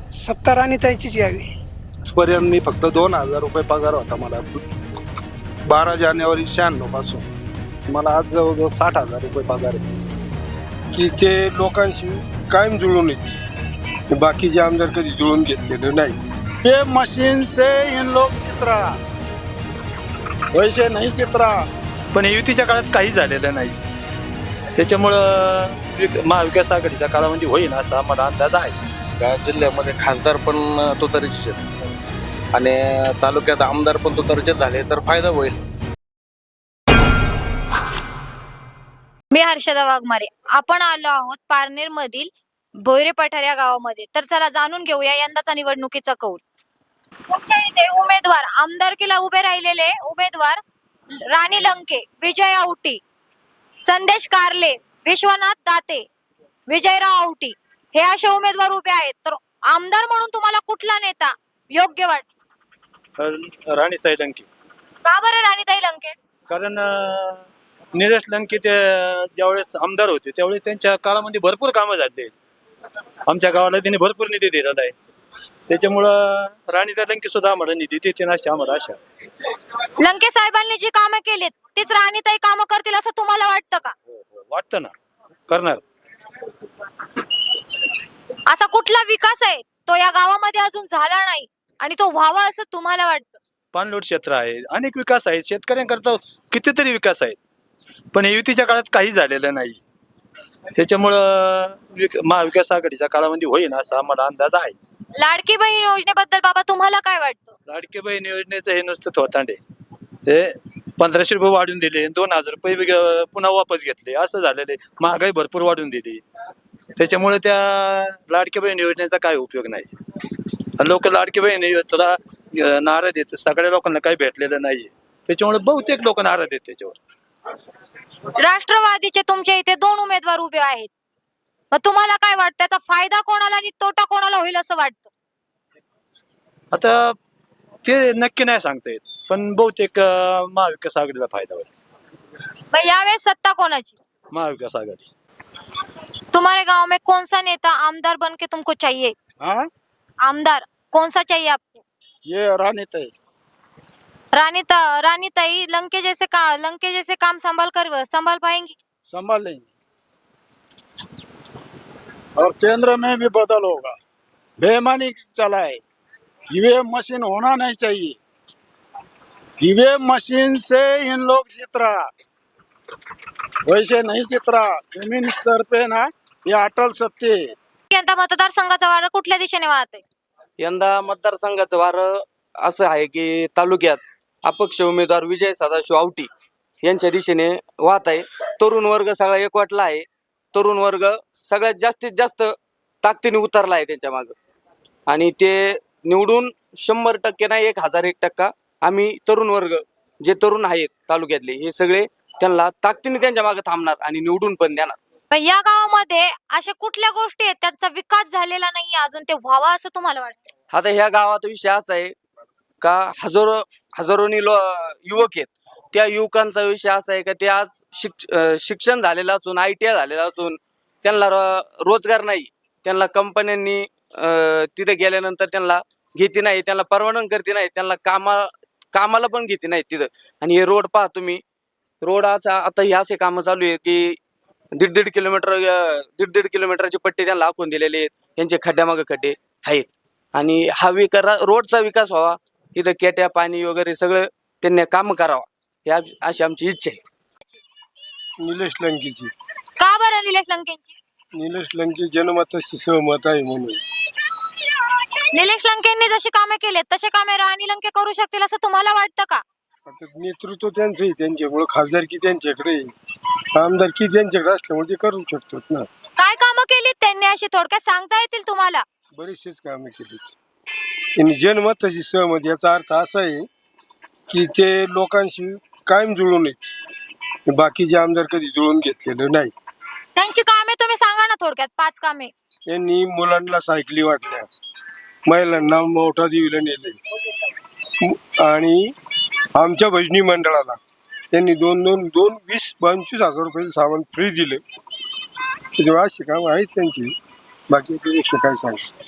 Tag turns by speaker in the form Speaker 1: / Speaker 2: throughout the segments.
Speaker 1: सत्ता राणीताईचीच यावी.
Speaker 2: पर्यंत मी फक्त 2,000 रुपये पगार होता मला 12 जानेवारी 96 पासून. मला आज जवळजवळ 60,000 रुपये पगार आहे.
Speaker 3: की ते लोकांशी कायम जुळून येते. बाकीचे आमदार कधी जुळून घेतलेले नाही. ये मशीन से इन लोग चित्रा वैसे नाही चित्रा.
Speaker 4: पण युतीच्या काळात काही झालेलं नाही. त्याच्यामुळं महाविकास आघाडीच्या काळामध्ये होईल असा आम्हाला अंदाज आहे.
Speaker 5: या जिल्ह्यामध्ये खासदार पण तुतारीचे आहेत आणि तालुक्यात आमदार पण तुतारीचे झाले तर फायदा होईल.
Speaker 6: मी हर्षदा वाघमारे. आपण आलो आहोत पारनेर मधील भोयरे पठार या गावामध्ये. तर चला जाणून घेऊया यंदाचा निवडणुकीचा कौल. मुख्य इथे उमेदवार आमदारकीला उभे राहिलेले उमेदवार राणी लंके, विजय औटी, संदेश कारले, विश्वनाथ दाते, विजयराव औटी हे असे उमेदवार उभे आहेत. तर आमदार म्हणून तुम्हाला कुठला नेता योग्य वाटतो?
Speaker 4: राणीताई लंके.
Speaker 6: का बरं राणीताई लंके?
Speaker 4: कारण निलेश लंके ते ज्यावेळेस आमदार होते त्यावेळेस त्यांच्या काळामध्ये भरपूर कामं झाले. आमच्या गावाला त्यांनी भरपूर निधी दिलेला आहे. त्याच्यामुळं राणीताई लंके सुद्धा आम्हाला निधी देते ना आम्हाला आशा.
Speaker 6: लंके साहेबांनी जी कामं केलीत तीच राणीताई कामं करतील असं तुम्हाला वाटतं का?
Speaker 4: वाटतं ना करणार.
Speaker 6: असा कुठला विकास आहे तो या गावामध्ये अजून झाला नाही आणि तो व्हावा असं तुम्हाला वाटतं?
Speaker 4: पाणलोट क्षेत्र आहे, अनेक विकास आहेत, शेतकऱ्यांकरता कितीतरी विकास आहेत. पण हे युतीच्या काळात काही झालेलं नाही. त्याच्यामुळं महाविकास आघाडीच्या काळामध्ये होईल असा आम्हाला अंदाज आहे.
Speaker 6: लाडकी बहीण योजनेबद्दल बाबा तुम्हाला काय वाटतं?
Speaker 4: लाडकी बहीण योजनेचं हे नुसतं थोतांडे. हे 1,500 रुपये वाढून दिले, 2,000 रुपये पुन्हा वापस घेतले, असं झालेले. महागाई भरपूर वाढून दिली. त्याच्यामुळे त्या लाडकी बहीण योजनेचा काय उपयोग नाही. लोक लाडकी बहीण योजनेला नाराज आहेत. सगळ्या लोकांना काही भेटलेलं नाही. त्याच्यामुळे बहुतेक लोक नाराज आहेत त्याच्यावर.
Speaker 6: राष्ट्रवादीचे तुमच्या इथे 2 उमेदवार उभे आहेत. मग तुम्हाला काय वाटतं त्याचा फायदा कोणाला आणि तोटा कोणाला होईल असं वाटतं?
Speaker 4: आता ते नक्की नाही सांगता येत. पण बहुतेक महाविकास आघाडीला फायदा होईल.
Speaker 6: मग यावेळेस सत्ता कोणाची?
Speaker 4: महाविकास आघाडी.
Speaker 6: तुम्हारे गांव में कौन सा नेता आमदार बन के तुमको चाहिए?
Speaker 3: हाँ
Speaker 6: आमदार कौन सा चाहिए आपको?
Speaker 3: ये राणीताई.
Speaker 6: रानीताई लंके जैसे काम संभाल पाएंगी?
Speaker 3: संभाल लेंगे और केंद्र में भी बदल होगा. बेईमानी चला है. ईवीएम मशीन होना नहीं चाहिए. ईवीएम मशीन से इन लोग जीत रहा वैसे नहीं जीत रहा. जमीन स्तर पे ना ये अटल सत्य है.
Speaker 6: यंदा मतदारसंघाचा वारा कुठल्या दिशेने वाहत आहे?
Speaker 7: यंदा मतदारसंघाचं वारं असं आहे की तालुक्यात अपक्ष उमेदवार विजय सदाशिव औटी यांच्या दिशेने वाहत आहे. तरुण वर्ग सगळा एकवटला आहे. तरुण वर्ग सगळ्यात जास्तीत जास्त ताकदीने उतरला आहे त्यांच्या मागं आणि ते निवडून 100% नाही 1001% आम्ही तरुण वर्ग जे तरुण आहेत तालुक्यातले हे सगळे त्यांना ताकदीने त्यांच्या मागे थांबणार आणि निवडून पण देणार.
Speaker 6: पण या गावामध्ये अशा कुठल्या गोष्टी आहेत त्यांचा विकास झालेला नाही अजून ते व्हावा असं तुम्हाला वाटतं?
Speaker 7: आता ह्या गावात विषय असा आहे का हजारोनी युवक आहेत. त्या युवकांचा विषय असा आहे का ते आज शिक्षण झालेलं असून ITI झालेलं असून त्यांना रोजगार नाही. त्यांना कंपन्यांनी तिथे गेल्यानंतर त्यांना घेते नाही, त्यांना परवानगी करते नाही, त्यांना कामाला पण घेते नाही तिथं. आणि हे रोड पहा तुम्ही. रोड आता हे असे कामं चालू आहे की 1.5 किलोमीटरचे पट्टे त्यांना आखून दिलेले आहेत. त्यांचे खड्ड्यामागे खड्डे आहेत आणि हा रोडचा विकास व्हावा. इथं केट्या पाणी वगैरे सगळं त्यांनी काम करावा ही अशी आमची इच्छा आहे.
Speaker 3: निलेश लंकेची.
Speaker 6: का बरं निलेश लंकेंची?
Speaker 3: निलेश लंके जनमताशी सहमत आहे म्हणून.
Speaker 6: निलेश लंकेंनी जशी कामे केलेत तसे कामे राणी लंके करू शकतील असं तुम्हाला वाटतं का?
Speaker 3: आता नेतृत्व त्यांचं आहे. त्यांच्यामुळे खासदारकी त्यांच्याकडे आहे. आमदारकी त्यांच्याकडे असल्यामुळे ते करू शकतात ना.
Speaker 6: काय कामं केलीत त्यांनी अशी थोडक्यात सांगता येतील तुम्हाला?
Speaker 3: बरीचशीच कामं केलीत. त्यांनी जनमताशी सहमत याचा अर्थ असा आहे की ते लोकांशी कायम जुळून येत. बाकीचे आमदार कधी जुळून घेतलेलं नाही.
Speaker 6: त्यांची कामे तुम्ही सांगा ना थोडक्यात 5 कामे.
Speaker 3: त्यांनी मुलांना सायकली वाटल्या, महिलांना मोठा देवीला नेले आणि आमच्या भजनी मंडळाला त्यांनी 20-25 हजार रुपयाचं सामान फ्री दिले. त्याच्यामुळे अशी कामं आहेत त्यांची. बाकी त्यापेक्षा काय सांग.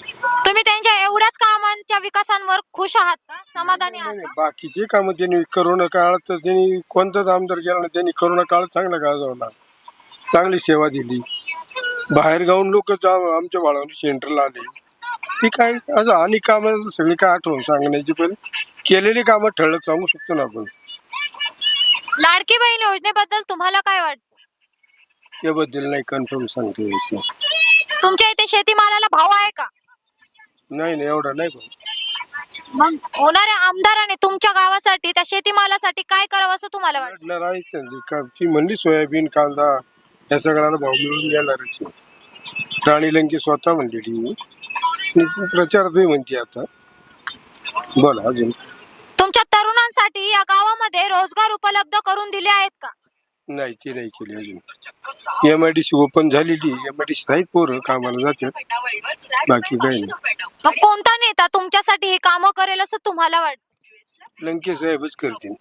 Speaker 6: तुम्ही त्यांच्या एवढ्याच कामांच्या विकासांवर खुश आहात का, समाधानी आहात
Speaker 1: नाही,
Speaker 6: का?
Speaker 1: बाकीचे कामं त्यांनी करोना काळात तर त्यांनी कोणताच आमदार गेला नाही, त्यांनी करोना काळात चांगला गाजवला, चांगली सेवा दिली. बाहेर गावून लोक आमच्या बाळावणी सेंटरला आले. ती काय असं आणि कामं सगळी काय आठवण सांगण्याची, पण केलेली कामं ठळक सांगू शकतो ना आपण.
Speaker 6: लाडकी बहीण योजनेबद्दल तुम्हाला काय वाटतं?
Speaker 1: त्याबद्दल नाही कन्फर्म सांगता यायचं.
Speaker 6: तुमच्या इथे शेतीमालाला भाव आहे का?
Speaker 1: नाही एवढा नाही भाऊ.
Speaker 6: मग होणाऱ्या आमदाराने तुमच्या गावासाठी त्या शेतीमालासाठी काय करावं असं तुम्हाला वाटतं?
Speaker 1: वाढणार आहेच त्यांची ती म्हणली सोयाबीन कांदा या सगळ्याला भाव मिळून येणारच आहे. राणी लंके स्वतः म्हणलेली प्रचारचंही म्हणते आता. बोला अजून.
Speaker 6: तुमच्या तरुणांसाठी या गावामध्ये रोजगार उपलब्ध करून दिले आहेत का?
Speaker 1: नाही ते नाही केली अजून. MIDC ओपन झालेली, MIDC आहेत पोरं कामाला जातात, बाकी काही नाही.
Speaker 6: मग कोणता नेता तुमच्यासाठी हे कामं करेल असं तुम्हाला वाटतं?
Speaker 1: लंके साहेबच करतील.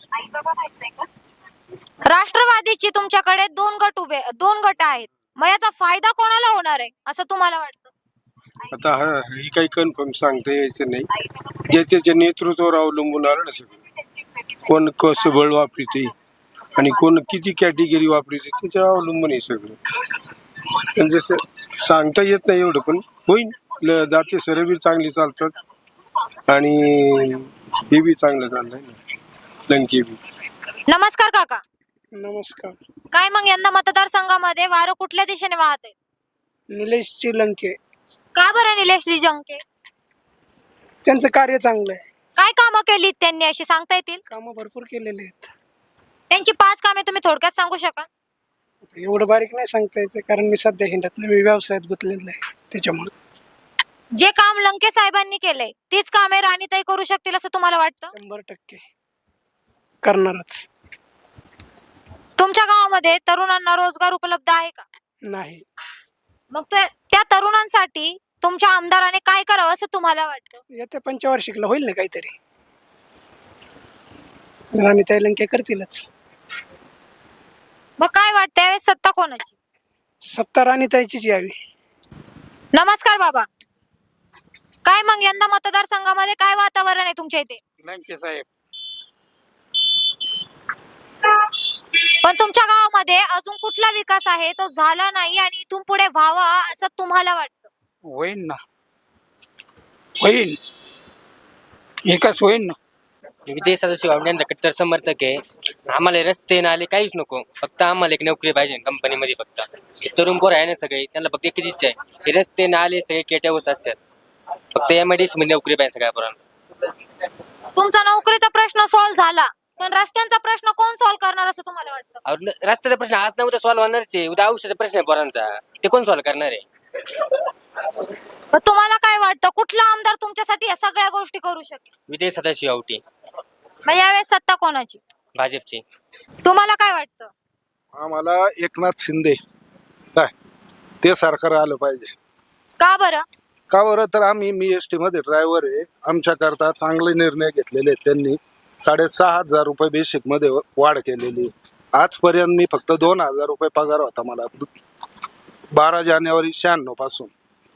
Speaker 6: राष्ट्रवादीची तुमच्याकडे दोन गट आहेत, मग याचा फायदा कोणाला होणार आहे असं तुम्हाला वाटतं?
Speaker 1: आता ही काही कन्फर्म सांगता यायचं नाही. ज्याच्या नेतृत्वावर अवलंबून आलं ना सगळं. कोण कसं बळ वापरते आणि कोण किती कॅटेगरी वापरते त्याच्यावर अवलंबून आहे सगळं. पण जसं सांगता येत नाही एवढं, पण होईल. दाते सर बी चांगली चालतात आणि हे बी चांगलं चाललंय ना, लंके बी.
Speaker 6: नमस्कार काका.
Speaker 8: नमस्कार.
Speaker 6: काय मग यंदा मतदारसंघामध्ये वारं कुठल्या दिशेने वाहत आहे?
Speaker 8: निलेश श्रीलंके,
Speaker 6: का बरं निलेश जंके?
Speaker 8: त्यांचं कार्य चांगलं आहे.
Speaker 6: काय कामं केली त्यांनी अशी सांगता येतील?
Speaker 8: कामं भरपूर केलेले आहेत.
Speaker 6: त्यांची 5 कामे तुम्ही थोडक्यात सांगू शकाल?
Speaker 8: एवढं बारीक नाही सांगता यायचं, कारण मी सध्या हिंडत नाही, मी व्यवसायात गुंतलेला आहे त्याच्यामुळे.
Speaker 6: जे काम लंके साहेबांनी केलंय तीच कामे राणीताई करू शकतील असं तुम्हाला वाटतं?
Speaker 8: 100% करणारच.
Speaker 6: तुमच्या गावामध्ये तरुणांना रोजगार उपलब्ध आहे का?
Speaker 8: नाही.
Speaker 6: मग त्या तरुणांसाठी तुमच्या आमदाराने काय करावं असं तुम्हाला वाटतं?
Speaker 8: येत्या पंचवार्षिकला होईल ना काहीतरी, राणीताई लंके करतीलच.
Speaker 6: मग काय वाटतं यावेळेस सत्ता कोणाची?
Speaker 8: सत्ता राणीताईचीच यावी.
Speaker 6: नमस्कार बाबा. काय मग यंदा मतदारसंघामध्ये काय वातावरण आहे तुमच्या इथे?
Speaker 3: लंके साहेब.
Speaker 6: पण तुमच्या गावामध्ये अजून कुठला विकास आहे तो झाला नाही आणि इथून पुढे व्हावा असं तुम्हाला वाटतं?
Speaker 3: होईल ना, होईल, एकच होईल ना.
Speaker 9: विजय सदाशिव यांचा कट्टर समर्थक आहे. आम्हाला रस्ते नाले काहीच नको, फक्त आम्हाला एक नोकरी पाहिजे कंपनीमध्ये. फक्त तरुण पोर आहे ना सगळे, त्यांना फक्त एकच इच्छा आहे, हे रस्ते नाले सगळे केट्यावरच असतात, फक्त MIDC मध्ये नोकरी पाहिजे सगळ्या पोरांना.
Speaker 6: तुमचा नोकरीचा प्रश्न सॉल्व्ह झाला, पण रस्त्यांचा प्रश्न कोण सॉल्व्ह करणार असं तुम्हाला वाटतं?
Speaker 9: रस्त्याचा प्रश्न आज ना उद्या सॉल्व्ह होणारच आहे. उद्या औषधाचा प्रश्न आहे पोरांचा, ते कोण सॉल्व्ह करणार आहे?
Speaker 6: मग तुम्हाला काय वाटतं कुठला आमदार तुमच्यासाठी या सगळ्या गोष्टी करू शकेल?
Speaker 9: विजय सदाशिव आवटी,
Speaker 6: मग यावेळेस सत्ता कोणाची?
Speaker 9: भाजपची.
Speaker 6: तुम्हाला काय वाटतं?
Speaker 2: आम्हाला एकनाथ शिंदे काय ते सरकार आलं पाहिजे.
Speaker 6: का बरं?
Speaker 2: का बरं तर मी ST मध्ये ड्रायव्हर आहे. आमच्याकरता चांगले निर्णय घेतलेले आहेत त्यांनी. 6,500 रुपये बेसिक मध्ये वाढ केलेली. आजपर्यंत मी फक्त 2,000 रुपये पगार होता मला 12 जानेवारी 96 पासून.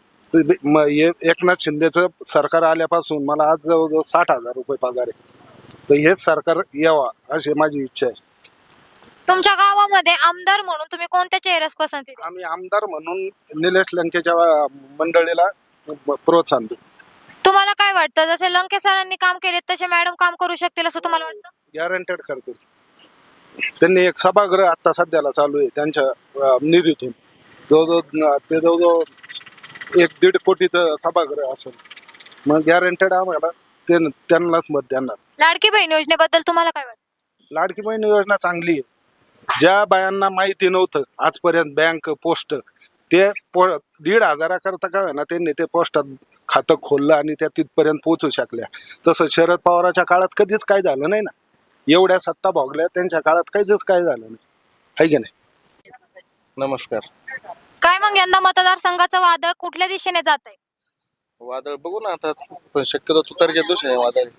Speaker 2: एकनाथ शिंदेचं सरकार आल्यापासून मला आज जवळजवळ 60,000 रुपये पगार आहे. तर हेच सरकार यावा अशी माझी इच्छा आहे.
Speaker 6: तुमच्या गावामध्ये आमदार म्हणून तुम्ही कोणत्या चेहऱ्यास पसंती द्याल?
Speaker 2: आम्ही आमदार म्हणून निलेश लंकेच्या मंडळीला प्रोत्साहन देऊ.
Speaker 6: तुम्हाला काय वाटतं जसे लंके सरांनी काम केले तसे मॅडम काम करू शकतील असं तुम्हाला वाटतं?
Speaker 2: गॅरंटेड करतील. त्यांनी एक सभागृह आता सध्याला चालू आहे त्यांच्या निधीतून. जवळजवळ 1-1.5 कोटीचं सभागृह असेल. मग गॅरंटेड आम्हाला त्यांनाच मत देणार.
Speaker 6: लाडकी बहीण योजनेबद्दल तुम्हाला काय वाटतं?
Speaker 2: लाडकी बहीण योजना चांगली आहे. ज्या बायांना माहिती नव्हतं आजपर्यंत बँक पोस्ट ते 1,500 करता काय ना त्यांनी ते पोस्टात खातं खोललं आणि त्या तिथपर्यंत पोहोचू शकल्या. तसं शरद पवाराच्या काळात कधीच काय झालं नाही ना. एवढ्या सत्ता भोगल्या त्यांच्या काळात कधीच काय झालं नाही, आहे की नाही?
Speaker 5: नमस्कार.
Speaker 6: काय मग यंदा मतदारसंघाचं वादळ कुठल्या दिशेने जात आहे?
Speaker 5: वादळ बघू ना आता, पण शक्यतो तुतारीच्या दिवशी आहे वादळ.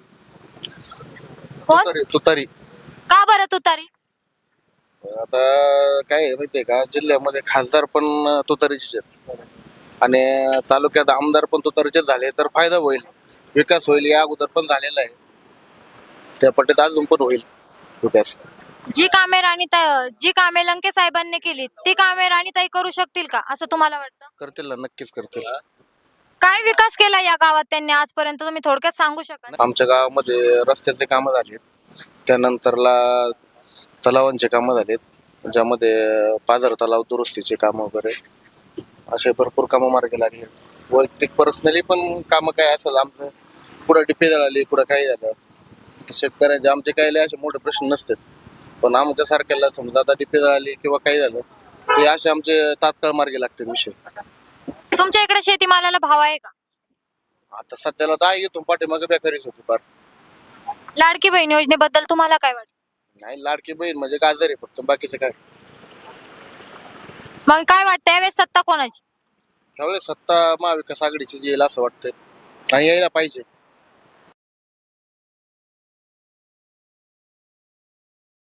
Speaker 6: कोण?
Speaker 5: तुतारी.
Speaker 6: का बरं तुतारी?
Speaker 5: आता काय आहे माहितीये का, जिल्ह्यामध्ये खासदार पण तुतारीचेच आहेत. आणि तालुक्यात आमदार पण तुतारीचे झाले तर फायदा होईल, विकास होईल. या अगोदर पण झालेला आहे, त्या पट्टीत अजून पण होईल विकास.
Speaker 6: जी कामे लंके साहेबांनी केली ती कामे राणीताई करू शकतील का असं तुम्हाला वाटतं?
Speaker 5: करतील ना, नक्कीच करतील.
Speaker 6: काय विकास केला या गावात त्यांनी आजपर्यंत तुम्ही थोडक्यात सांगू शकाल?
Speaker 5: आमच्या गावामध्ये रस्त्याचे कामं झालेत, त्यानंतरला तलावांचे कामं झालेत, ज्यामध्ये पाझर तलाव दुरुस्तीचे कामं वगैरे असे भरपूर कामं मार्गी लागले. वैयक्तिक पर्सनली पण कामं काय असेल आमचं, कुठं डिपे झाली, कुठं काही झालं, शेतकऱ्यांचे आमचे काही लय असे मोठे प्रश्न नसतात. पण आमच्या सारख्याला समजा आता डिपे झाली किंवा काही झालं, ते असे आमचे तात्काळ मार्गी लागतात विषय.
Speaker 6: तुमच्या इकडे शेतीमालाला भाव आहे का?
Speaker 5: आता सध्याला तर आहे, इथून पाठीमागे बेकारीच होती फार.
Speaker 6: लाडकी बहीण योजनेबद्दल तुम्हाला काय वाटतं?
Speaker 5: नाही, लाडकी बहीण म्हणजे गाजर आहे फक्त, बाकीचं काय.
Speaker 6: मग काय वाटतं यावेळेस सत्ता कोणाची?
Speaker 5: त्यावेळेस सत्ता महाविकास आघाडीची येईल असं वाटतंय आणि यायला पाहिजे.